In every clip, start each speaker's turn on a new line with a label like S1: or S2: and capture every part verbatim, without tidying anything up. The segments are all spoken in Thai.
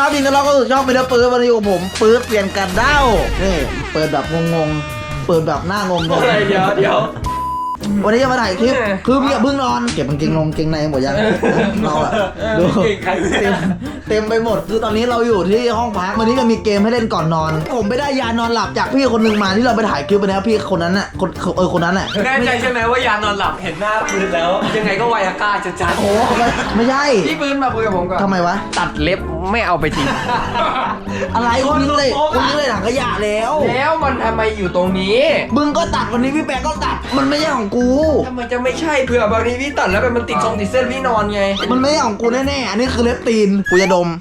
S1: ครับจริงๆเราก็ชอบเป็นปืนวันนี้ของผมปืนเปลี่ยนกันเด้านี่เปิดแบบงงๆเปิดแบบหน้างงๆ
S2: อะไรเดี๋ยวเดี๋ยว
S1: วันนี้จะมาถ่ายคลิปคือพี่อย่าเพิ่งนอนเก็บกางเกงนงเกงในหมดยังเราอะดูเต็มเต็มไปหมดคือตอนนี้เราอยู่ที่ห้องพักวันนี้จะมีเกมให้เล่นก่อนนอนผมไปได้ยานอนหลับจากพี่คนหนึ่งมาที่เราไปถ่ายคลิปไปแล้วพี่คนนั้นน่ะคนเออคนนั้นน่ะ
S2: แน่ใจใช่ไหมว่ายานอนหลับเห็นหน้าปืนแล้วยังไงก็ไวอาก้าจะจัด
S1: โอ้ไม่ใช่
S3: พี่ปืนมาคุยกับผมก่อน
S1: ทำไมวะ
S3: ตัดเล็บไม่เอาไปทิ้ง
S1: อะไรคุณทิ้งเลยคุณทิ้งเลยถังขยะแล้ว
S3: แล้วมันทำไมอยู่ตรงนี้
S1: มึงก็ตัดวันนี้พี่แปะก็ตัดมันไม่ใช่ของกู
S3: ทำไมจะไม่ใช่เผื่อบางทีพี่ตัดแล้วมันติดทรงติดเส้นพี่นอนไง
S1: มันไม่ใช่ของกูแน่ๆอันนี้คือเล็บตีนกูจะดม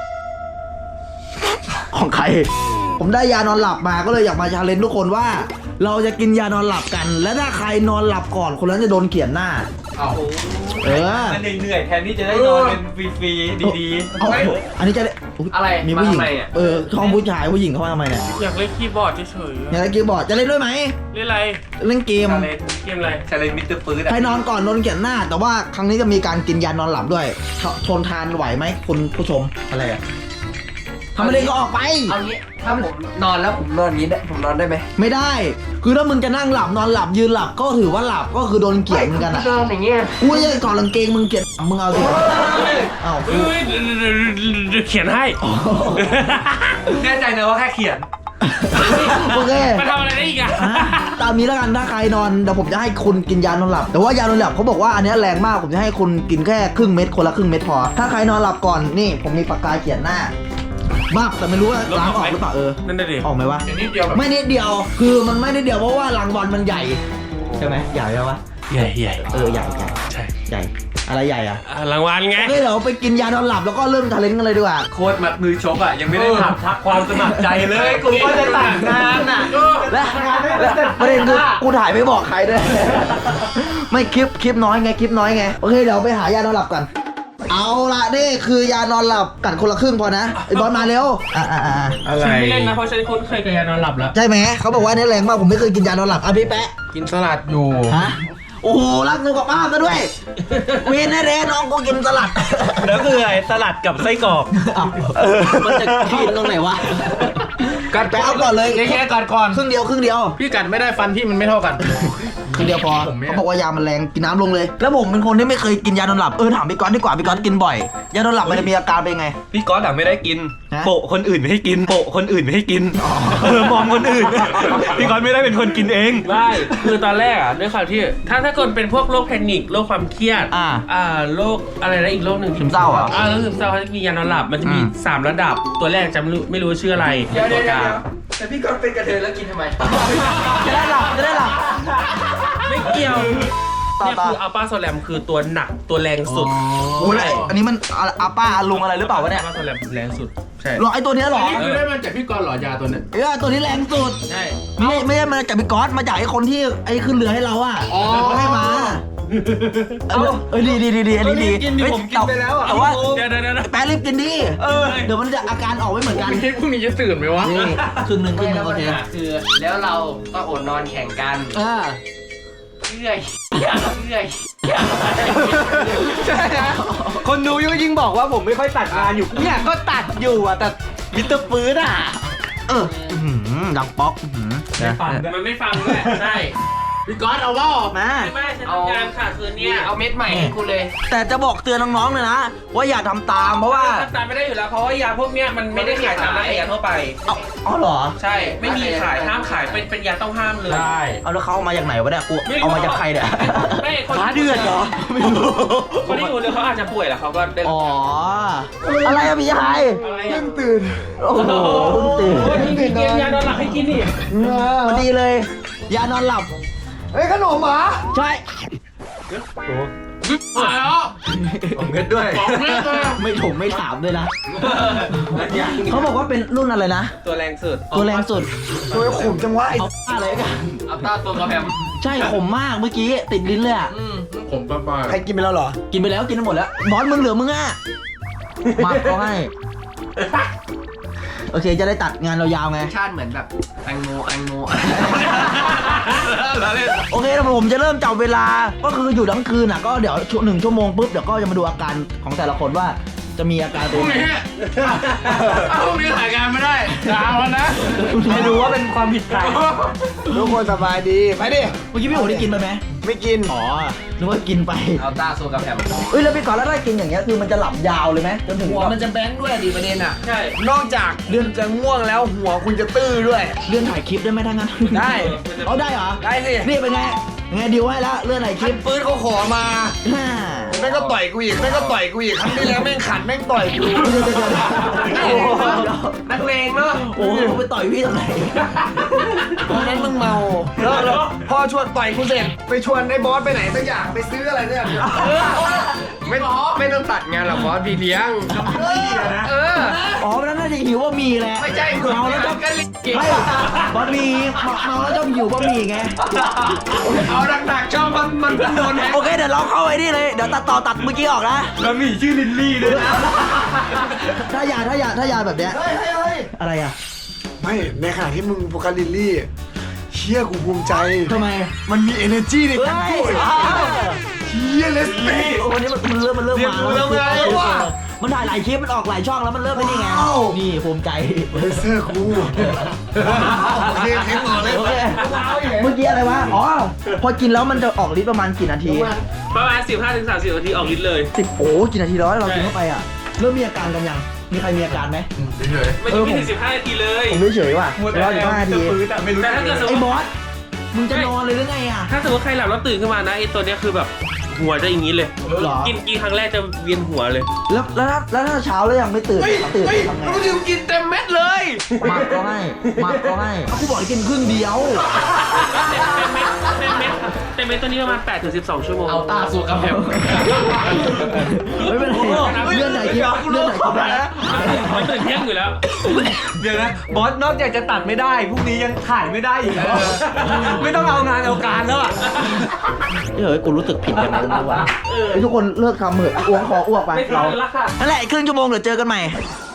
S1: ของใครผมได้ยานอนหลับมาก็เลยอยากมาชาเลนจ์ทุกคนว่า เราจะกินยานอนหลับกัน และถ้าใครนอนหลับก่อนคนนั้นจะโดนเขียนหน้า
S3: เอา
S1: เออ
S2: มันเหนื่อยแทนที่จะได้นอนเป็นฟรีๆดี
S1: เอาอันนี้จะได้ย
S3: อะไร
S1: มีผู้หญิง
S3: มาทำไมอ่ะ
S1: เออช่องผู้ชายผู้หญิงเขามาทำไมเนี่ย
S4: อยากเล่นคีย์บอร์ดเฉย
S1: อยากเล่นเกมบอร์ดจะเล่นด้วยไหม
S4: ๆเล่นอะไร
S1: เล่นเกม
S4: ชาเลนจ์เกมอะไร
S2: ๆชาเลนมิสเตอร์ปืน
S1: ใครนอนก่อนโดนเขียนหน้า แต่ว่าครั้งนี้จะมีการกินยานอนหลับด้วยททนทานไหวไหมคุณผู้ชมอะไรอะทำอะไรก็ออกไป
S3: เอางี้ถ้าผมนอนแล้วผมนอนอย่างนี้ได้ผมนอนได้ไหม
S1: ไม่ได้ คือถ้ามึงจะนั่งหลับนอนหลับยืนหลับก็ถือว่าหลับก็คือโดนเกลียดเหมือนกันอะ
S3: นอนอย่างเงี้ย
S1: กูจะถอดกางเกงมึงเกลียดมึงเอาสิเอ้า
S4: เฮ้ยเขียนให้
S2: แน่ใจนะว่าแค่เขียน
S1: โอเค
S4: มาทำอะไรได้อีกอะ
S1: ตามนี้แล้วกันถ้าใครนอนเดี๋ยวผมจะให้คุณกินยานอนหลับแต่ว่ายานอนหลับเขาบอกว่าอันนี้แรงมากผมจะให้คุณกินแค่ครึ่งเม็ดคนละครึ่งเม็ดพอถ้าใครนอนหลับก่อนนี่ผมมีปากกาเขียนหน้าบ้าแต่ไม่รู้ว่าล้างออกหรือเปล่าเออ
S4: นั่นน่ะดิ
S1: ออกไหมวะ
S3: นิดเดียวแบบ
S1: ไม่นิดเดียวคือมันไม่นิดเดียวเพราะว่ารังบอลมันใหญ่ใช่ไหมใหญ่ไหมวะ
S4: ใหญ่ใหญ่
S1: เออใหญ่ใหญ่
S4: ใช่
S1: ใหญ่อะไรใหญ่อะ
S4: อ่ะรางวัลไง
S1: โอเคเดี๋ยวไปกินยานอนหลับแล้วก็เริ่มทาเลนต์กันเลยดีกว่า
S2: โค้ดมัดมือชกอ่ะยังไม่ได้ถามทักความสมัครใจเลยกูว่าจะตัดงานอ่ะ
S1: และและประเด็นคือกูถ่ายไม่บอกใครด้วย ไม่คลิปคลิปน้อยไงคลิปน้อยไงโอเคเดี๋ยวไปหายานอนหลับกันเอาละนี่คือยานอนหลับกัดคนละครึ่งพอนะไอ้บอลมาเร็วอ่าอ่าอ่า
S4: ฉันไม่เล่นนะเพราะฉันคุ้นเคยกับยานอนหลับแล้ว
S1: ใช่ไหมเขาบอกว่านี่แรงมากผมไม่เคยกินยานอนหลับอ่ะพี่แปะ
S3: กินสลัดอยู่
S1: ฮะโอ้โหรักสุขภาพซะด้วยเวนแน่ๆน้องกูกินสลัด
S2: แล้วคืออะไรสลัดกับไส้กรอก
S1: อ้าวมันจะกินตรงไหนวะ
S3: กัด
S1: แปะเอาก่อนเลย
S3: แค่กัดก่อน
S1: ครึ่งเดียวครึ่งเดียว
S3: พี่กัดไม่ได้ฟันพี่มันไม่เท่ากัน
S1: ครึ่งเดียวพอเขาบอกว่ายามันแรงกินน้ำลงเลย แล้วผมเป็นคนที่ไม่เคยกินยานอนหลับเออถามพี่ก๊อตดีกว่าพี่ก๊อตกินบ่อยยานอนหลับมันจะมีอาการเป็นไง
S2: พี่ก๊อตอะไม่ได้กิน
S1: ฮะ
S2: โปะคนอื่นไม่ให้กินโปะคนอื่นไม่ให้กินเออมองคนอื่นพี่ก๊อตไม่ได้เป็นคนกินเอง
S4: ไม่คือตอนแรกอ่ะด้วยความที่ถ้าถ้าเกิดเป็นพวกโรคแพนิคโรคความเครียด
S1: อ่า
S4: อ่าโรคอะไรนะอีกโรคหนึ่ง
S1: ซึมเศร้าเหรอ
S4: อ่าโรคซึมเศร้าเขาจะมียานอนหลับมันจะมี
S1: อืม
S4: สามระดับตัวแรกจำไม่รู้ไม่รู้ชื่ออะไร
S3: เดี๋ยว
S4: ตั
S3: เดี๋ยว ว
S4: กลาง
S3: แต่พี่กัดเป็นกระเทยแล้วกินทำไม
S1: จะได้หลับจะได้หลับ
S4: ไม่เกี่ยว
S1: ต่อ
S4: เนี่ย
S1: ต่อ
S4: คืออัลปาโซแลมคือตัวหนักตัวแรงสุด
S1: โอ้ยอันนี้มันอาป้าอาลุงอะไรหรือเปล่าวะเนี่ย
S4: อัลปาโซแลมแรงสุดใช่
S1: หรอไอตัวเนี้ยหรอ
S3: นี่คือได้มาจากพี่กรณ์เหรอยาตัวเนี้ย
S1: เออตัวนี้แรงสุด
S4: ใช่
S1: ไม่ไม่ใช่มาจากพี่ก๊อตมาจากไอ้คนที่ไอ้ขึ้นเรือให้เราอ่ะ
S3: อ๋อ
S1: เขาให้มาเออเออดีดีดีดีอันนี้ดี
S2: กินดิผมกินไปแล้วอะ
S1: แต่ว่า
S4: เดี๋ยวเดี๋ยวเดี๋ยว
S1: แป๊ะรีบกินดิ
S4: เออ
S1: เดี๋ยวมันจะอาการออกไม่เหมือนกัน
S3: พรุ่งนี้จะตื่นไหมวะ
S1: นี่ครึ่งหนึ่งครึ่งหนึ่งโอเค
S3: คือแล้วเราก็อดนอนแข่งกัน
S1: อ่า
S3: เรื่อยเรื่อย
S2: ใช่นะคนดูยิ่งยิ่งบอกว่าผมไม่ค่อยตัดงานอยู่เนี่ยก็ตัดอยู่อะแต่มิสเตอร์ปืนอะ
S1: เอออื้อหือดังป๊อกอื้อหือนะ
S4: มันไม่ฟังด้วยใช่
S3: พี่กรณ์เอาว่า
S1: มา
S4: ไม่ไม่ฉันทำงานค่ะคืน
S3: เนี่
S4: เนี้
S3: ย
S4: ย
S3: เอาเม็ดใหม่ให้กูเลย
S1: แต่จะบอกเตือนน้องๆเลยนะว่าอย่าทำตามเพราะว่า
S4: ทำตามไม่ได้อยู่แล้วเพราะว่ายาพวกเนี้ยมันไม่ได้ขายตามร้านขายยาทั่วไป
S1: เอาอ๋อเหรอ
S4: ใช่ไม่มีขายห้ามขายเป็นเป็นยาต้องห้ามเลย
S1: เอาแล้วเขาเอามาจากไหนวะเนี่ยกูเอามาจากใครเนี่ย
S4: ไม่คน
S1: ฟ้าเดือดเหรอไม่รู้
S4: คนที่อยู่เลยเขาอาจจะป่วยแล้วเขาก็ได้
S1: อ๋ออะไรอะพี่ชาย
S4: อะไรอ่ะ
S3: ตื่น
S1: โอ้โหเพิ่งตื่น
S4: โอ้ยมีเกมยานอนหลับให้กินนี่
S1: พอดีเลย ยานอนหลับ
S3: เฮ้ยขนมหมา
S1: ใช่
S4: มาแล้ว
S2: ผมเงินด้วย
S4: บอกแม่เลย
S1: ไม่ถมไม่ถามด้วยนะเขาบอกว่าเป็นรุ่นอะไรนะ
S4: ตัวแรงสุด
S1: ตัวแรงสุด
S3: ตัวขมจังวะไอ้
S1: เอาอะไรกัน
S3: อัลต้าตัวกระแพม
S1: ใช่ขมมากเมื่อกี้ติดลิ้นเลยอะ
S3: อืม
S5: ผมป้าป้า
S3: ใครกินไปแล้วเหรอ
S1: กินไปแล้วกินไปหมดแล้วบอสมึงเหลือมึงอ่ะมาเขาให้โอเคจะได้ตัดงานเรายาวไง
S3: ชาติเหมือนแบบแตงโมแตงโม
S1: โอเคแล้วผมจะเริ่มจับเวลาก็คืออยู่ทั้งคืนอ่ะก็เดี๋ยวชั่วหนึ่งชั่วโมงปุ๊บเดี๋ยวก็จะมาดูอาการของแต่ละคนว่าจะมีอาการ
S4: พรุ่งนี้พรุ่งนี้ถ่ายงานไม่ได้ดาวแล้วนะ
S2: ไม่รู้ว่าเป็นความผิดใครทุกคนสบายดีไปดิ
S1: เมื่อกี้พี่โอ๋ได้กินไปไหม
S2: ไม่กิน
S1: อ๋อนึกว่ากินไป
S3: เอาต้าโซกับแฮม
S1: เอ้ยแล้วพี่ก่อนแล้วได้กินอย่างเงี้ยคือมันจะหลับยาวเลยไหมจนถึง
S3: หัวมันจะแบงค์ด้วยดิประเด็นอ่ะ
S4: ใช่
S2: นอกจากเดือนจะง่วงแล้วหัวคุณจะตื้อด้วย
S1: เลื่อนถ่ายคลิปได้ไหมทั้างนั้น
S2: ได้
S1: เอาได้เหรอ
S2: ได้สิ
S1: นี่เป็นไงไงดิวให้แล้วเลื่อนถ่ายค
S2: คั
S1: ลิ
S2: น
S1: ป
S2: ปืนเขาขอมา
S1: ฮ่า
S2: แม่งก็ต่อยกูอีกแม่งก็ต่อยกูอีกครั้งที่แล้วแม่งขัดแม่งต่อยกู
S1: เดี๋ยวเดี๋ยวเดี๋ยวเดี๋ยว
S2: โอ้โหนักเลงเนาะ
S1: โอ้โหไปต่อยพี่ทำไม
S2: ตอนนั้นมึงเมาแล้วแล้วพอชวนต่อยกูเสร็จไปชวนไอ้บอสไปไหนสักอย่างไปซื้ออะไรสักอย่างไม่ไม่ต้องตัดงานหรอกบอสพี่เลี้ยงเออ
S1: อ๋อแล้วน่าจะหิวบะหมี่แหละ
S2: ไม่ใช่
S1: เมาแล้วจะไม่บะหมี่เมาแล้วจะหิวบะหมี่ไง
S2: เอาหนักๆชอบมันมันเพิ่งโดนแฮก
S1: โอเคเดี๋ยวเราเข้าไอ้นี่เลยเดี๋ยวตัดต่อตัดเมื่อกี้ออกนะ
S2: แล้วมีชื่อลินลี่ด้วยนะ
S1: ถ้ายาถ้ายาถ้ายาแบบเนี้ย
S2: เฮ้ยเฮ้ยเฮ้ย
S1: อะไรอ่ะ
S5: ไม่ในขณะที่มึงโฟกัสลิลลี่เชี่ยกูภูมิใจ
S1: ทำไม
S5: มันมี energy ในการพูดเชี่ยเลสเต้
S1: วันนี้มันมันเริ่มมันเริ่มมา
S2: เริ่มมาแล้วว่ะ
S1: มันถ่ายหลายคลิปมันออกหลายช่องแล้วมันเริ่มไปนี่ไงนี่ภูมิใจ
S5: เลเซอร์กูโอเคเทคต่อเลย
S1: โอเคเมื่อกี้อะไรวะอ๋อพอกินแล้วมันจะออกฤทธิ์ประมาณกี่นาที
S4: ประมาณ สิบห้าถึงสามสิบ นาทีออกฤทธิ์เลย
S1: สิบโอ้กี่นาทีแล้วเรากินเข้าไปอ่ะเริ่มมีอาการกันยังมีใครมีอาการไหม
S5: เฉย
S4: ไม่ถึงไม่ถึงสิบห้านาทีเลย
S1: ผมไม่เฉยว่ะรออยู่ห้านาที
S2: ไม่รู้
S4: แต่ถ้าเกิดสมม
S1: ไอ้
S4: ติ
S1: บอสมึงจะนอนเลยหรือไงอ่ะ
S4: ถ้าสมมติใครหลับแล้วตื่นขึ้นมานะไอ้ตัวเนี้ยคือแบบหัวจะอย่างนี้เลย
S1: หรอ
S4: กินกินครั้งแรกจะเวียนหัวเลย
S1: แล้วแล้วถ้าแล้วถ้าเช้าแล้วยังไม่ตื่นตื่นทำไง
S2: กูดิวกินเต็มเม็ดเลย
S1: หมักก็ให้หมักก็ให้กูบอกให้กินครึ่งเดียว
S4: เต็มเม็ดเต็มเม็ดเต็มเม็ดตัวนี้ประมาณแปดถึงสิบสองชั่วโมง
S3: เอาต้าโซกับแฮม
S1: ไม่เป็นไรเลื่อนไหนคลิปเลื่อนไหนคลิปได้นะ
S4: มันตื่นเที่ยงอยู่แล้ว
S2: เดี๋ยวนะบอสนอกจากจะตัดไม่ได้พรุ่งนี้ยังถ่ายไม่ได้อีกเหรอไม่ต้องเอางานเอาการแล้วอ่ะ
S1: เฮ้ยกูรู้สึกผิดอย่างนั้นเลยว่ะไอ้ทุกคนเลิกทำเหอะอ้วงขออ้วกไป
S4: ไม่ทั
S1: เรา
S4: นแล้วค่ะ
S1: นั่นแหละอีกครึ่งชั่วโมงเดี๋ยวเจอกันใหม่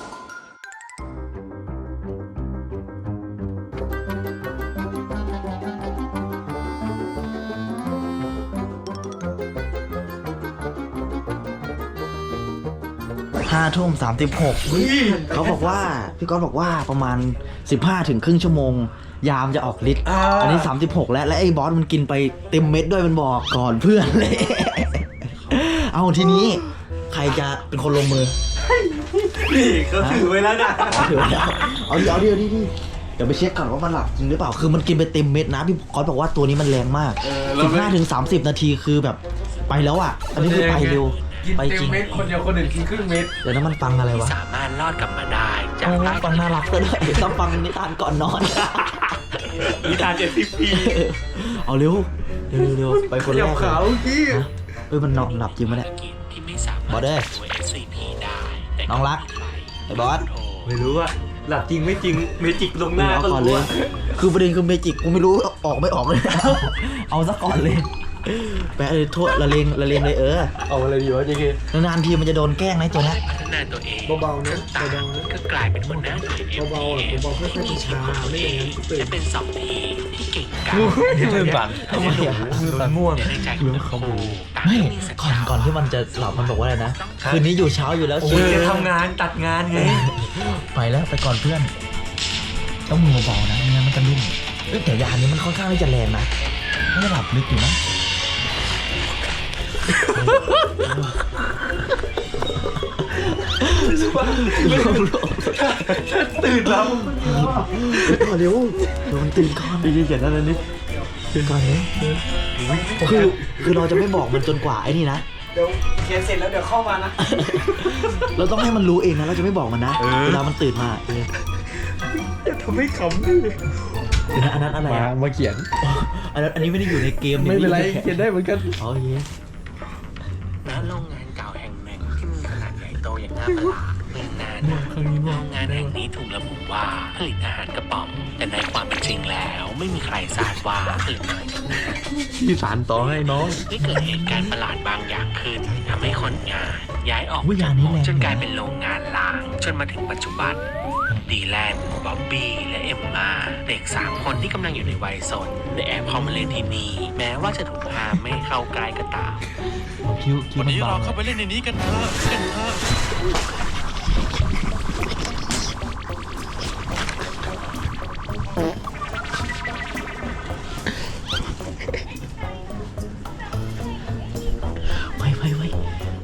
S1: ห้าทุ่มสามสิบหกเขาบอกว่าพี่ก๊อฟบอกว่าประมาณสิบห้าถึงครึ่งชั่วโมง ยามจะออกฤทธิ์อันนี้สามสิบหกแล้วและไอ้บอสมันกินไปเต็มเม็ดด้วยมันบอกก่อนเพื่อนเลย เอาทีนี้ใครจะเป็นคนลงมือ
S2: นี่เขาถือไว้แล้วนะ
S1: ถือแล้วเอาดิเอาดิเอาดิดิเดี๋ยวไปเช็คก่อนว่ามันหลับจริงหรือเปล่าคือมันกินไปเต็มเม็ดนะพี่ก๊อฟบอกว่าตัวนี้มันแรงมากสิบห้าถึงสามสิบนาทีคือแบบไปแล้วอ่ะอันนี้คือไปเร็วไปจริง
S3: เม็ดคนเดียวคนอื่นกินครึ่งเม็ด
S1: เดี๋ยวนั้นมันฟังอะไรวะ
S6: สามารถรอดกลับมาได้จาก
S1: โอ้
S6: ใต้
S1: ฟังน่ารักซะด้วยต้องฟังนิทานก่อนนอน
S4: นิทานเจ็ดสิบปี
S1: เอาเร็วเร็วเร็วไปคนแรกเลย
S2: ขาวกี้
S1: ฮะเฮ้ยมันนอนหลับจริงปะเนี่ย
S6: กิจที่ไม่สา
S1: บอ
S6: มาร
S1: ส
S6: ถ
S1: เด้อ
S6: ตัว เอส ซี พี ได้แต่
S1: น้องรักไอ้บอส
S2: ไม่รู้อะหลับจริงไม่จริงเมจิกลงหน้า
S1: เอา
S2: ก็
S1: ก่อน
S2: รู้
S1: เลย
S2: อะ
S1: คือประเด็นคือเมจิกกูไม่รู้ออกไม่ออกเลย เอาซะก่อนเลยแปะเลยโทษละเลงละเลงเลยเออ
S2: เอาอะไรดีวะเจเคน
S1: านๆทีมันจะโดนแกล้งนะไอ้ตัวเนี้ย
S6: พัฒนาตัวเอง
S5: เบาๆนะ
S6: ต่าง
S5: เบาๆนะ
S6: ก็กลายเป็นหัวหน้าหน่วย
S5: เบาๆอ่ะเบาๆค่อยๆช้าๆไม่อย่างนั้นตื่น
S6: และเป็นสองทีมที่เก่งกาจ
S2: มือสั่น
S1: ทำไมอ่ะ
S2: มือสั่นม่วง
S6: ในใจของทั้งคู่ต่าง
S1: ไม่
S6: ก็มีสัจ
S1: ก่อน
S6: จะ
S1: ก่อนที่มันจะหลับมันบอกว่าอะไรนะคืนนี้อยู่เช้าอยู่แล้ว
S2: โอ้ยจะทำงานตัดงานไง
S1: ไปแล้วไปก่อนเพื่อน ต้องมือเบาๆนะไม่งั้นมันจะลุ่มเอ้ยแต่ยานี้มันค่อนข้างที่จะแรงนะไม่ได้หลับลึกอยู่นะ
S2: ตื่นแล้ว
S1: ก่อนเร็วเดี๋ยวมันตื่นก่อน
S2: ดีๆเขียนนั่นนี่
S1: ตื่นก่อนเร็วคือคือเราจะไม่บอกมันจนกว่าไอ้นี่นะ
S2: เดี๋ยวเขียนเสร็จแล้วเดี๋ยวเข้ามานะ
S1: เราต้องให้มันรู้เองนะเราจะไม่บอกมันนะเวลามันตื่นมาเออ
S2: ทำให้ขำดิ
S1: เดี๋ยวนะอันนั้นอะไร
S2: มา
S1: อะ
S2: มาเขียน
S1: อันนั้นอันนี้ไม่ได้อยู่ในเกม
S2: ไม่เป็นไร
S1: ใ
S2: เขียนได้เหมือนกัน
S1: อ๋อเย้
S6: ณโรงงานเก่าแห่งหนึ่งที่มีขนาดใหญ่โตอย่างน่าประหลาดเมื่อนานมาโรงงานแห่งนี้ถูกระบุว่าผลิตอาหารกระป๋องแต่ในความเป็นจริงแล้วไม่มีใครทราบว่าผลิตอะไรกันแน่
S2: ที่สารต่อให้น้อง
S6: ได้เกิดเหตุการณ์ประหลาดบางอย่างขึ้นทำให้คนงานย้ายออก
S1: วิญญาณนี้แรง
S6: จนกลายเป็นโรงงานล้างจนมาถึงปัจจุบันดีแลนบ๊อบบี้และเอมมาเด็กสามคนที่กำลังอยู่ในวัยสนได้แอบเข้ามาเล่นที่นี่แม้ว่าจะถูกห้ามไม่ให้เข้าใกล้ก็ตาม
S1: คิ้วคิ้ว
S6: วัน
S1: มัน
S6: นี้
S1: เบา
S6: เราเข้าไปเล่นในนี้กันเถอะกันเถอะ
S1: ไว้ไว้ไว้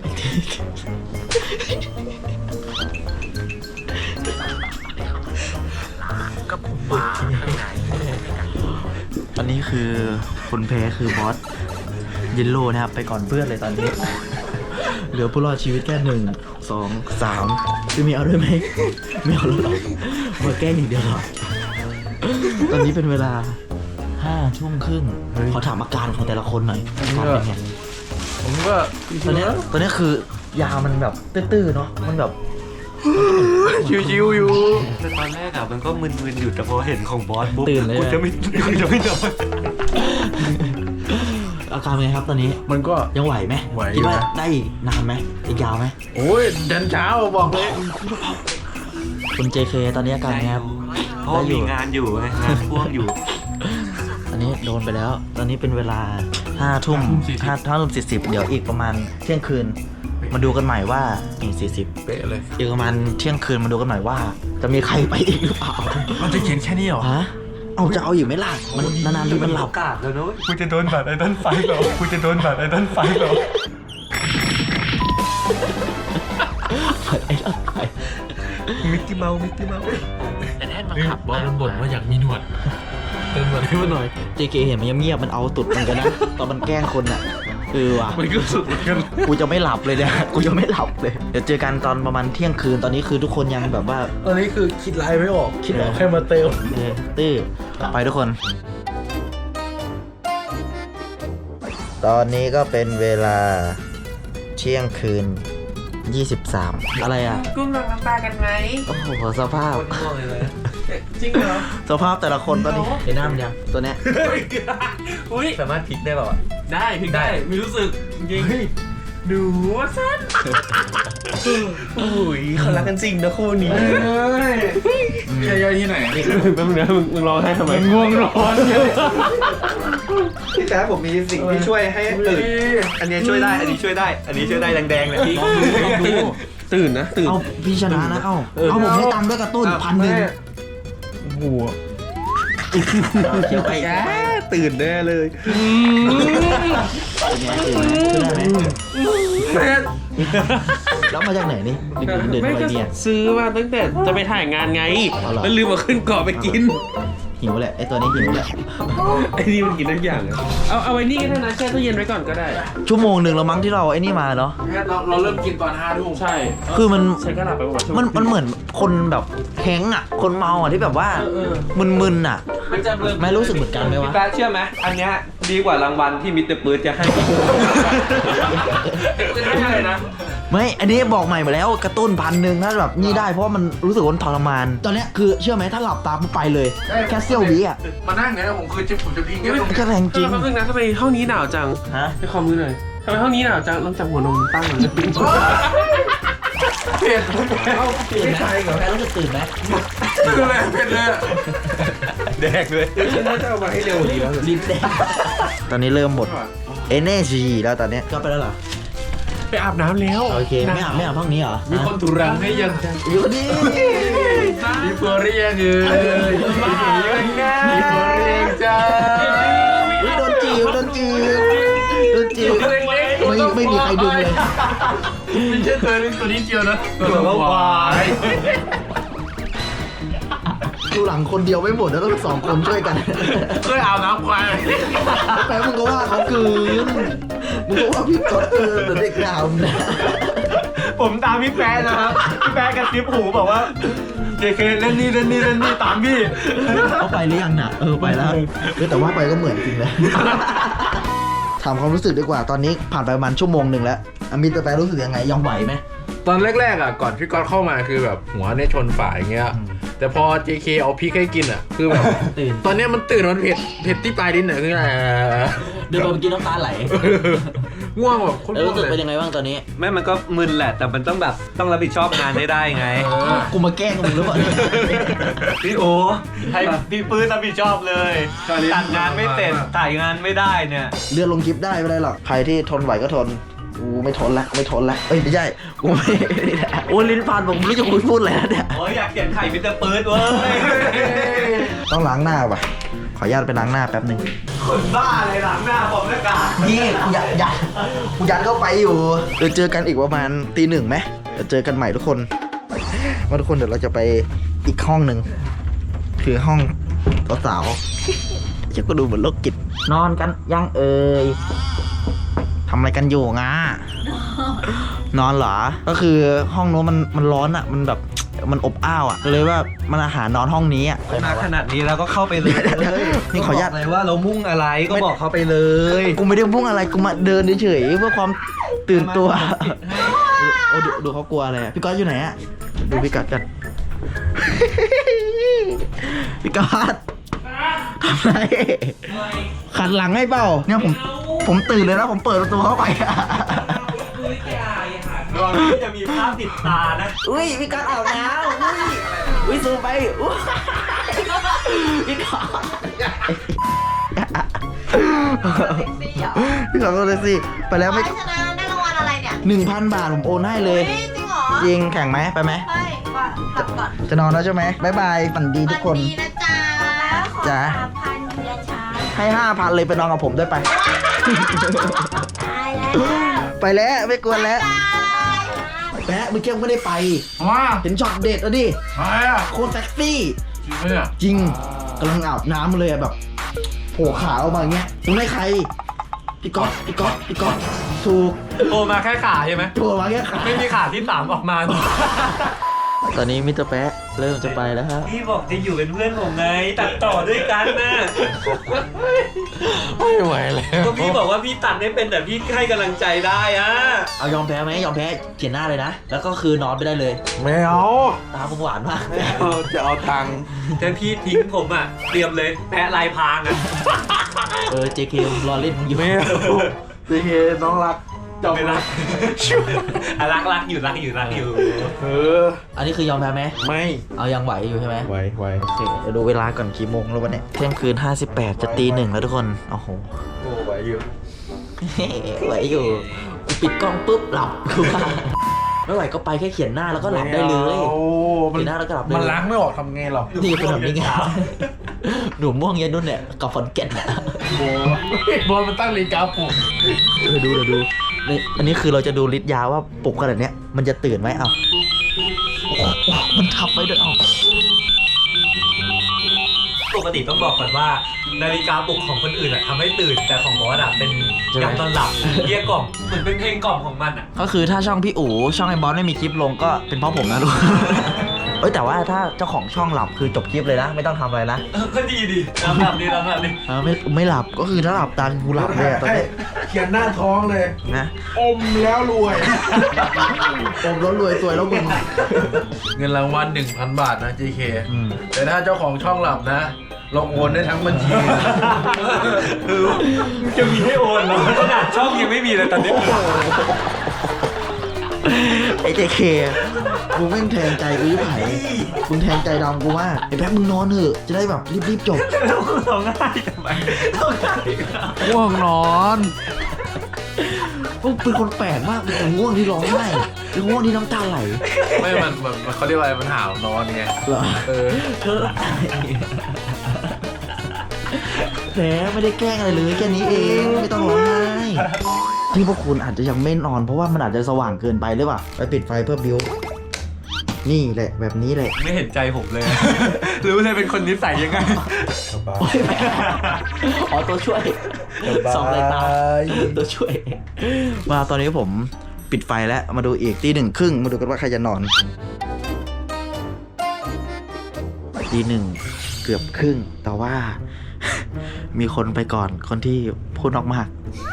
S1: อันนี้คือคนแพ้คือบอสเยลโล่นะครับ ไปก่อนเพื่อนเลยตอนนี้ เหลือผู้รอดชีวิตแค่หนึ่งสองสามจะมีเอาด้วยไหมไม่เอาแล้วหรอกมาแกล้งอย่างเดียวหรอตอนนี้เป็นเวลาห้าทุ่มครึ่งขอถามอาการของแต่ละคนหน่อยอาการเป็นไง
S2: ผมก็
S1: ตอนเนี้ยตอนเนี้ยคือยามันแบบตื้อๆเนาะมันแบบ
S2: ชิวๆอยู่
S7: แต่ตอนแรกอะมันก็มึนๆอยู่แต่พอเห็นของบอสปุ๊บ
S1: ตื่นเลย
S7: กูจะไม่กูจะไม่นอน
S1: อาการเป็นไงครับตอนนี้
S2: มันก็
S1: ยังไหวไหม
S2: ไหวอยู่
S1: คิดว่า
S2: นะ
S1: ได้อีกนานไหมอีกยาวไหม
S2: โอ้ยดันเช้าบอกเลย
S1: คุณ เจ เค ตอนนี้อาการไงครับ
S7: เพราะว่ามีงานอยู่ไงงานพ่วงอยู่
S1: อันนี้โดนไปแล้ว ตอนนี้เป็นเวลาห้าทุ่มห้าห้าทุ่มสี่สิบเดี๋ยวอีกประมาณเที่ยงคืน มาดูกันใหม่ว่าอีกสี่สิบ
S2: เป๊ะเลย
S1: อีกประมาณเที่ยงคืนมาดูกันใหม่ว่า จะมีใครไปอีกหรือเปล่า
S2: มันจะเขียนแค่นี้เหรอ
S1: ฮะเอาจะเอาอยู่ไหมล่ะมันนานๆทีมันหลับ
S7: โอกาสแล้วนุ้ย
S3: กูจะโดนบาดไอ้ต้นไฟเหรอกูจะโดนบาดไอ้ต้นไฟเหรอ
S1: ไอ้ละไป
S3: มิกกี้เมาส์มิกกี้เมาส์
S6: แต่แท่นบังคับบ
S5: อสมันบ่นว่าอยากมีหนวดเติมหนวดให้มันหน่อย
S1: เจ เค เห็นมันเงียบๆมันเอาตุดมันกันนะ ตอนมันแกล้งคนอ่ะเออว่ะ
S5: มันก็สุดเหมือนกัน
S1: กูจะไม่หลับเลยเนี่ย กูจะไม่หลับเลย เดี๋ยวเจอกันตอนประมาณเที่ยงคืน ตอนนี้คือทุกคนยังแบบว่า
S5: ตอนนี้คือคิดไลน์ไม่ออก คิดออกแค่มาเติม
S1: เออตื้อไปทุกคน ตอนนี้ก็เป็นเวลาเที่ยงคืนยี่สิบสามอะไรอ่ะ
S4: กุ้งลองน้ำปลากันไหม
S1: โอ้โหสภาพ
S4: จริงเหรอ
S1: สภาพแต่ละคนตอนนี้เห็นหน้ามันยังตัวเนี้ย
S4: อุ้ย
S7: สามารถพลิกได้เปล่าอะ
S4: ได้ถึงได้มีรู้สึกจริงดูว่าสั้น
S3: โอ้ยเขารักกันจริงนะคู่นี้
S5: ย่อยๆที่ไหน
S3: แป๊บนึงนะมึงมึงร้องไห้ทำไม
S5: ง่วงนอนเนี่ย
S7: พี่แจ๊คผมมีสิ่งที่ช่วยให้ตื่น อันนี้ช่วยได้ อันนี้ช่วยได้ อันนี้ช่วยได้แดงๆเลยพี่
S3: ตื่นตื่นนะตื่น
S1: เอาพี่ชนะนะ เอาเอาผมให้ตังค์ด้วยกระตุ้นพันหนึ่ง
S3: โอ้โห
S1: เขียวไป
S3: แกตื่นแน่เลย
S1: เป็นไงตื่นไหมขึ้นได้ไหมแล้วมาจากไหนนี่เดินเดิน
S4: ไม่
S1: ไป
S4: ก็
S1: เนี่ย
S4: ซื้อมาตั้งแต่จะไปถ่ายงานไง
S1: เอาเหรอ
S4: แล้วลืมมาขึ้นเกาะไปกิน
S1: หิวแหละไอตัวนี้หิวแหละ
S4: ไอ้นี่มันกินทุกอย่างอะเอาเอาไว้นี่ก็ได้นะแช่ตู้เย็นไว้ก่อนก็ได้
S1: ชั่วโมงหนึ่งแล้วมั้งที่เราไอ้นี่มาเนาะ
S5: เราเราเริ่มกินตอนห้าทุ่ม
S4: ใช่
S1: คือมัน
S4: ใช้ก็หลับไปหมด
S1: มันมันเหมือนคนแบบแข้งอ่ะ คนเมาอ่ะที่แบบว่า
S4: เออเออ
S1: มึนๆอ่ะ
S4: มันจะเริ่ม
S1: ไม่รู้สึกเหมือนกันไหมวะ
S7: พี่แป๊ะเชื่อไหมอันเนี้ยดีกว่ารางวัลที่มิสเตอร์ปื๊ดจะให้
S4: ไม่ใช่นะ
S1: ไม่ อันนี้บอกใหม่มาแล้วกระตุ้นพันหนึ่งถ้าแบบนี่ได้เพราะว่ามันรู้สึกว่ามันทรมาน ตอนเนี้ยคือเชื่อไหมถ้าหลับตาปุ๊บไปเลย แค่เซี่ยววิอ่ะ
S5: มานั่งไงนะผมคือจะผมจะพิงแค่ตรง
S1: ก็แรงจริง
S4: แป๊บนึงนะทำไมห้องนี้หนาวจัง
S1: ฮะ
S4: ไปขอมือหน่อยทำไมห้องนี้หนาวจังต้องจับหัวนมตั้งเลย
S5: เผ็ด
S1: เอาตื่นไหมแพ้รู้สึกตื่นไหม
S5: คืออะไรเผ็ดเลย
S7: แดกเลย
S3: ฉันน่าจะเอามาให้เร็วกว่านี้แล้ว
S1: ลิ้นแดงตอนนี้เริ่มหมด energy แล้วตอนเนี้ยก็ไปแล้วเหรอ
S4: ไปอาบน้ำแล้ว
S1: โอเค ไม่อาบไม่อาบห้องนี้เหรอ
S5: มีคนตุรังให้ยัง
S1: อยู่ดี
S5: มีเฟอร์รี่ยังเอ้ยมีเฟอร์รี่ยังจ้า
S1: อุ๊ยโดนจีบโดนจีบโดนจีบไม่ไม่มีใครดึงเลย
S5: ไม่ใช่ตัวนี้ตัวนี้เจียวนะตัวละวาย
S1: ดูหลังคนเดียวไม่หมดแล้วต้องสองคนช่วยกัน
S5: เคยอาบน้ำควาย
S1: แปลมึงก็ว่าเขาคืนมึงก็ว่าพี่ก๊อตเกินแต่เด็กดาวนะ
S7: ผมตามพี่แป๊ะนะครับ พี่แป๊ะกระซิบหูบอกว่า เจ เค เล่นนี่เล่นนี่เล่นนี่ตามพี่
S1: เขาไปหรือยังน่ะเออไปแล้วเออแต่ว่าไปก็เหมือนจริงเลยถามความรู้สึกดีกว่าตอนนี้ผ่านไปประมาณชั่วโมงหนึ่งแล้วอามิตรแปลรู้สึกยังไงยังไหวไหม
S5: ตอนแรกๆอ่ะก่อนพี่ก๊อตเข้ามาคือแบบหัวเนี่ยชนฝาอย่างเงี้ยแต่พอ เจ เค เอาพริกให้กินอ่ะคือแบบ
S1: ตื่น
S5: ตอนเนี้ยมันตื่นมันเผ็ดเผ็ดที่ปลายลิ้นอ่ะคืออะไร
S1: เดินมาเมื่อกี้น้ำตาไหล
S5: ง่วงแบบโคน
S1: แล้ว
S5: ง่ว
S1: รู้
S5: ง
S1: สึก
S5: เล
S1: เป็น
S5: ย
S1: ยังไงบ้างตอนนี้
S7: แม่มันก็มึนแหละ แต่มันต้องแบบต้องรับผิดชอบงานให้ได้ไง
S1: กูมาแกล้งมึงหรือเปล่า
S7: พี่โอให้พี่ปื้นรับผิดชอบเลยจัดงานไม่เสร็จถ่ายงานไม่ได้เนี่ย
S1: เลื่อนลงคลิปได้ไม่ได้หรอกใครที่ทนไหวก็ทนกูไม่ทนละไม่ทนละเอ้ยไม่ใช่กูไม่โอ้ลิ้นพันผมไม่รู้จะคุยพูดอะไรแล้วเนี่ย
S7: โอ้ยอยากเขียนไข่มิสเตอร์เปิร์ดเว้ย
S1: ต้องล้างหน้าป่ะขออนุญาตไปล้างหน้าแป๊บหนึง
S7: คนบ้าอะไรหลังหน้าผมหน้ากาก
S1: นี่กูยัดยัดกูยัดเข้าไปอยู่เดี๋ยวเจอกันอีกประมาณตีหนึ่งไหมเดี๋ยวเจอกันใหม่ทุกคนว่าทุกคนเดี๋ยวเราจะไปอีกห้องหนึ่งคือห้องสาวๆจะก็ดูเหมือนโรคจิตนอนกันยังเอ่ยทำอะไรกันอยู่งานอนเหรอก็คือห้องโน้นมันมันร้อนอ่ะมันแบบมันอบอ้าวอ่ะเลยว่ามันอาหารนอนห้องนี้อ่ะ
S7: มาขนาดนี้แล้วก็เข้าไปเลย
S1: นี่ขออนุญาต
S7: เลยว่าเรามุ่งอะไรก็บอกเขาไปเลย
S1: กูไม่ได้พุ่งอะไรกูมาเดินเฉยๆเพื่อความตื่นตัวโอ้ดูดูเขากลัวอะไรอะพี่ก๊อตอยู่ไหนอะดูพี่ก๊อตกัน พี่ก๊อตทำไรขัดหลังให้เปล่าเนี่ยผมผมตื่นเลยแล้วผมเปิดประตูเข้าไปอะ
S7: ระวังที่จะมีภาพติดตานะ
S1: อุ้ยพี่ก๊อตอาบน้ำอุ้ยอุ้ยซูมไปอุ้ยพี่ก๊อตพี่ก๊อตก็เลยสิไปแล้วไม่
S8: ชนะได้รางวัลอะไรเนี่ย
S1: หนึ่งพันบาทผมโอนให้เลย
S8: เฮ้ยจริงเหรอ
S1: จริงแข่งไหมไปไหม
S8: เฮ้ยก่อนกลับก่อน
S1: จะนอนแล้วใช่ไหมบ๊ายบายฝันดีทุกคน
S8: วัดีนะจ๊ะขอ
S1: จ๊ะ
S8: สามพันเดือนช้า
S1: ให้ห้าพันเลยไปนอนกับผมด้วยไป
S8: ตายแล้ว
S1: ไปแล้วไม่กวนแล้ว
S8: ตาย
S1: แปะเมื่อกี้ไม่ได้ไป
S5: ว้า
S1: เห็นช็อตเด็ดแล้วดิ
S5: ใช่อะ
S1: โคตรเซ็กซี่
S5: จริงไหมเนี่ย
S1: จริงกำลังอาบน้ำเลยอะแบบโผล่ขาออกมาอย่างเงี้ยมึงได้ใครพี่ก๊อตพี่ก๊อตพี่ก๊อตถูก
S7: โตมาแค่ขาใช่ไหม
S1: โผล่มาแค่ขา
S7: ไม่มีขาที่สามออกมา
S1: ตอนนี้มิสเตอร์แปะเริ่มจะไปแล้วครับ
S7: พี่บอกจะอยู่เป็นเพื่อนผมไง ตัดต่อด้วยกันนะ
S5: ไม่ไหวแล้ว
S7: ก็พี่บอกว่าพี่ตัดไม่เป็นแต่พี่ให้กำลังใจได้อะ
S1: เอายอมแพ้ไหมยอมแพ้เขียนหน้าเลยนะแล้วก็คือนอนไปได้เลย
S5: ไม่เอา
S1: ตาผมหวานมาก
S5: เอาจะเอาตังค์
S7: ถ้าพี่ทิ้งผมอ่ะเตรียมเลยแพะลายพรางอ่ะ
S1: เออ เจ เค รอเล่นมึงอยู่
S5: ไม่เอาซีเคน้องรักจบ
S7: ไม่รักอ่ะรักรักอยู่รักอยู่รักอยู่
S5: เออ
S1: อันนี้คือยอมแพ้ไหม
S5: ไม่
S1: เอายังไหวอยู่ใช่ไหม
S5: ไหวไหว
S1: โอเคเดี๋ยวดูเวลาก่อนกี่โมงแล้ววะเนี่ยเที่ยงคืนห้าสิบแปดจะตีหนึ่งแล้วทุกคน โอ้โห
S5: โอ้ไหวอยู่
S1: ไหวอยู่กูปิดกล้องปุ๊บหลับกูว่าไม่ไหวก็ไปแค่เขียนหน้าแล้วก็หลับได้เลย
S5: โอ้มั
S1: เขียนหน้าแล้วก็หลับได้
S5: มัน
S1: เลย
S5: ล้างไม่ออกทำไงหรอ
S1: นี่เป็นแบบนี้ไงหนูม่วงเย็นนุ่นเนี่ยกับฟอนเก็ตเนี่ย
S5: โบโบมันตั้งนาฬิกาปลุก
S1: เออดูเดี๋ยวดูนี่อันนี้คือเราจะดูฤทธิ์ยาว่าปลุกขนาดเนี้ยมันจะตื่นไหมเอาโอ้โหมันทับไปด้วยเอา
S7: ปกติต้องบอกก่อนว่านาฬิกาปลุกของคนอื่นอะทำให้ตื่นแต่ของบอสอะเป็นยามนอนหลับเรียกกล่อมเหมือนเป็นเพลงกล่อมของมันอะ
S1: ก็คือถ้าช่องพี่อู๋ช่องไอ้บอสไม่มีคลิปลงก็เป็นเพราะผมนะลูก เอ้ยแต่ว่าถ้าเจ้าของช่องหลับคือจบคลิปเลยนะ ไม่ต้องทำอะไรนะ
S7: เออก็ดีดีลำดับดีลำดับดี
S1: เออไม่ไม่หลับก็คือถ้าหลับตากูหลับเลยอะตอนนี้
S5: เขียนหน้าท้องเลย
S1: นะ
S5: อมแล้วรวย
S1: ผมรถรวยสวยแล้วมึง
S5: เงินรางวัลหนึ่งพันบาทนะ เจ เค
S1: อืม
S5: แต่ถ้าเจ้าของช่องหลับนะ เราโอนได้ทั้งบัญชี
S7: คือจะมีให้โอนเหรอขนาดช่องยังไม่มีเลยตอนนี้
S1: ไอ้เจเคมึงแม่งแทงใจกูยิ่งไหนมึงแทงใจดำกูมากไอ้แป๊บมึงนอนเถอะจะได้แบบรีบๆจบ
S7: แล้วคุณร้องไห้ทำไมร้องไห้
S5: ง่วงนอน
S1: พวกเป็นคนแปลกมากเป็นคนง่วงที่ร้องไห้เป็นง่วงที่น้ำตาไหล
S5: ไม่ มันมันมันเขาเรียกว่าอะไรมันหาวนอนไง
S1: เหรอ
S5: เออ
S1: เธอแหมไม่ได้แกล้งอะไรเลยแค่นี้เองไม่ต้องร้องไห้ที่พวกคุณอาจจะยังไม่นอนเพราะว่ามันอาจจะสว่างเกินไปหรือเปล่าไปปิดไฟเพื่อบิวนี่แหละแบบนี้แหละ
S7: ไม่เห็นใจผมเลย รู้เลยเป็นคนนิสัยยังไง
S1: โอ้ยแหมอ๋อตัวช่วยสองสายตาตัวช่วย มาตอนนี้ผมปิดไฟแล้วมาดูอีกตีหนึ่งครึ่งมาดูกันว่าใครจะนอนตีหนึ่งเกือบครึ่งแต่ว่า มีคนไปก่อนคนที่พูดออกมาก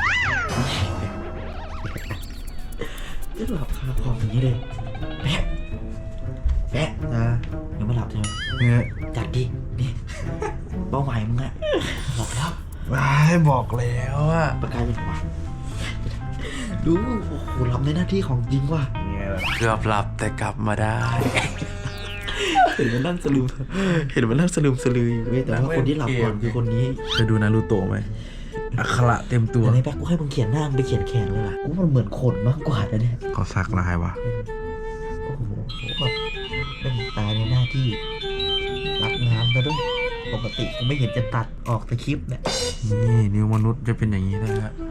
S1: หลับคาคออย่างนี้เลยแปะแปะนะยังไม่หลับใช่ไหม
S5: เนี่ย
S1: จัดดินี่เป้าหมายมึงอะหลับแล้ว
S5: ไม่บอกแล้วอะ
S1: ประกายเป็นหัวดูโอ้โหหลับในหน้าที่ของจริงว่ะ
S5: เกือบหลับแต่กลับมาได้
S1: เห็นมันนั่งสลืมเห็นมันนั่งสลืมสลืออยู่เว้ยแต่ว่าคนที่หลับก่อนคือคนนี้
S5: เคยดูนารูโตะไหมอักขระเต็มตัว
S1: แต่ในแบ็คกูให้มึงเขียนหน้ามึงไปเขียนแขนเลยล่ะกูว่ามันเหมือนขนมากกว่านะเนี่ย
S5: เขาสักลายวะ
S1: โอ้โหแบบเป็นตายในหน้าที่รับงานซะด้วยปกติกูไม่เห็นจะตัดออกแต่คลิปเนี่ย
S5: นี่นิ้วมนุษย์จะเป็นอย่างนี้นะฮะ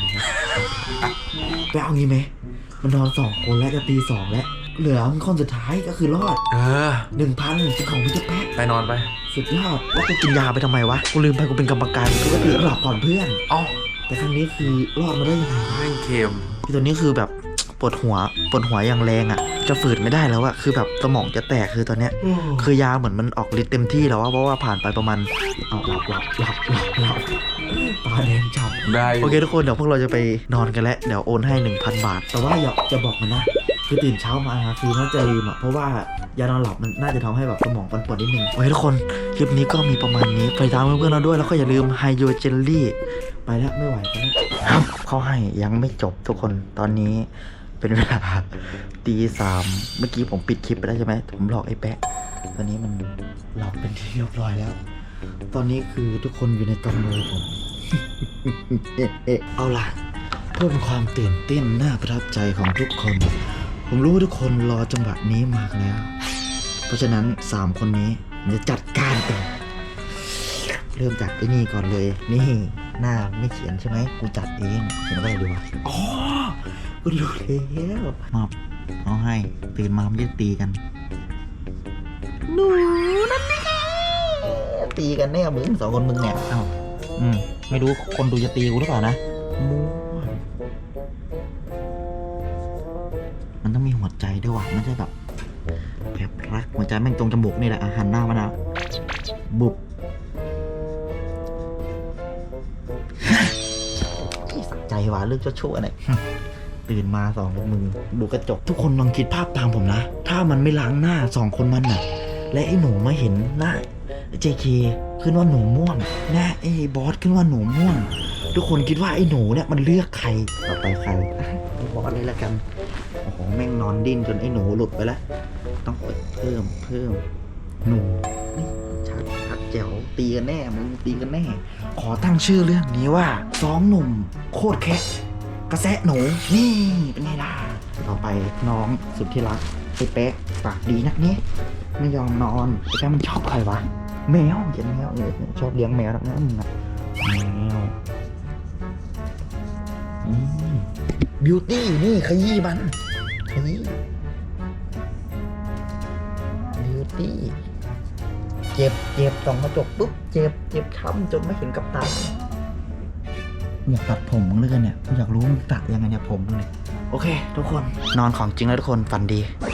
S1: ไปเอางี้ไหมมันนอนสองคนแล้วจะตีสองแล้วเหลือมึงคนสุดท้ายก็คือรอด
S5: เออ
S1: หนึ่งพันเป็นของพี่เจ้าแป๊ะ
S5: ไปนอนไป
S1: สุดยอดแล้วกูกินยาไปทำไมวะกูลืมไปกูเป็นกรรมการกูก็ถือหลับก่อนเพื่อน
S5: เอ้า
S1: แต่ครั้งนี้คือรอดมาได้ยังไง
S5: แม่งเค็ม
S1: พี่ตัวนี้คือแบบปวดหัวปวดหัวอย่างแรงอ่ะจะฝืนไม่ได้แล้วอะคือแบบสมองจะแตกคือตอนเนี้ยคือยาเหมือนมันออกฤทธิ์เต็มที่แล้วอะเพราะว่าผ่านไปประมาณเอาหลับหลับหลับหลับหลับตาแดงฉ่ำ
S5: ได้
S1: โอเคทุกคนเดี๋ยวพวกเราจะไปนอนกันแล้วเดี๋ยวโอนให้ หนึ่งพัน บาท แต่ว่าอย่าจะบอกมันนะคือตื่นเช้ามาคือน่าจะลืมอ่ะเพราะว่ายานอนหลับมันน่าจะทำให้แบบสมองปั่นป่วนนิดนึงโอเคทุกคนคลิปนี้ก็มีประมาณนี้ไปตามเพื่อนๆเราด้วยแล้วก็อย่าลืมไฮโดรเจลลี่ไปแล้วไม่ไหวกันแล้วเขาให้ยังไม่จบทุกคนตอนนี้เป็นเวลาตีสามเมื่อกี้ผมปิดคลิปไปแล้วใช่ไหมผมหลอกไอ้แปะตอนนี้มันหลับเป็นที่เรียบร้อยแล้ว ตอนนี้คือทุกคนอยู่ในกำมือผม เอาล่ะเพื่อเป็นความตื่นเต้นน่าประทับใจของทุกคน ผมรู้ว่าทุกคนรอจังหวะนี้มากแล้ว เพราะฉะนั้นสามคนนี้ผมจะจัดการเองเริ่มจากไอ้นี่ก่อนเลย นี่หน้าไม่เขียนใช่ไหมกูจัดเองเขียนว่าอะไรดีวะอ๋อกูรู้แล้วมอบเอาให้ตื่นมาไม่ได้ตีกันหนูนั่นนี่ตีกันแน่มึงสองคนมึงเนี่ยเอ้าอืมไม่รู้คนดูจะตีกูหรือเปล่านะมั่วมันต้องมีหัวใจด้วยว่ะไม่ใช่แบบแบบรักหัวใจแม่งตรงจมูกนี่แหละอาหารหน้ามันนะบุบใจหวานเรื่องชั่วๆเนี่ยตื่นมาสองมึงดูกระจกทุกคนลองคิดภาพตามผมนะถ้ามันไม่ล้างหน้าสองคนมันน่ะและไอ้หนูมาเห็นหน้า เจ เค ขึ้นว่าหนูม่วงนะไอ้บอสขึ้นว่าหนูม่วงทุกคนคิดว่าไอ้หนูเนี่ยมันเลือกใครต่อไปใครไอ้บอสเลยละกันโอ้โหแม่งนอนดิ้นจนไอ้หนูหลุดไปแล้วต้องเปิดเพิ่มเพิ่มหนูนี่ชัดชัดแจ๋วตีกันแน่มึงตีกันแน่ขอตั้งชื่อเรื่องนี้ว่าสองหนุ่มโคตรแคะกระแสะหนูนี่เป็นไงล่ะต่อไปน้องสุดที่รักไอ้เป๊กปากดีนักนี้ไม่ยอมนอนไอ้แป๊กมันชอบใครวะแมวเห็นแมวเนี่ยชอบเลี้ยงแมวนักนะมึงอะแมวบิวตี้นี่ขยี้มันขยี้บิวตี้เจ็บเจ็บส่องกระจกปุ๊บเจ็บเจ็บช้ำจนไม่เห็นกับตาอยากตัดผมมึงเลยกันเนี่ยกูอยากรู้มึงตัดยังไงเนี่ยผมมึงเนี่ยโอเคทุกคนนอนของจริงแล้วทุกคนฝันดี